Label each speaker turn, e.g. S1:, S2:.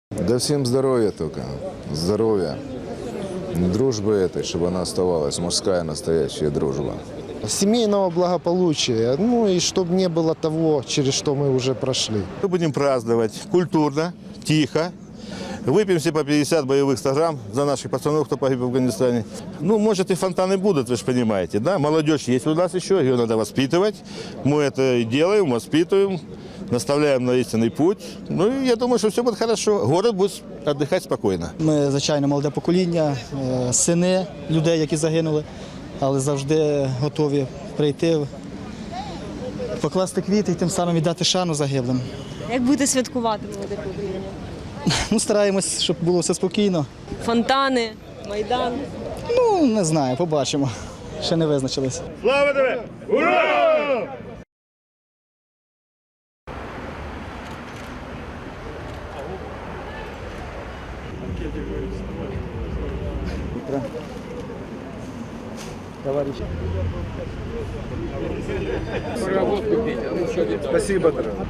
S1: Да всем здоровья только, здоровья, дружбы этой, чтобы она оставалась, мужская настоящая дружба.
S2: Семейного благополучия, ну и чтобы не было того, через что мы уже прошли.
S3: Мы будем праздновать культурно, тихо. Выпьем все по 50 боевых 100 грамм за наших пацанов, кто погиб в Афганистане. Ну, может, и фонтаны будут, вы же понимаете, да? Молодежь есть у нас еще, ее надо воспитывать. Мы это и делаем, воспитываем, наставляем на истинный путь. Ну, и я думаю, что все будет хорошо. Город будет отдыхать спокойно.
S4: Ми, звичайно, молоде покоління, сини людей, які загинули, але завжди готові прийти, покласти квіти і тим самим віддати шану загиблим.
S5: Як будете святкувати молоде покоління?
S4: Ну, стараємось, щоб було все спокійно.
S5: Фонтани, Майдан.
S4: Ну, не знаю, побачимо. Ще не визначились.
S3: Слава тебе! Ура!
S2: Спасибо, дорогой.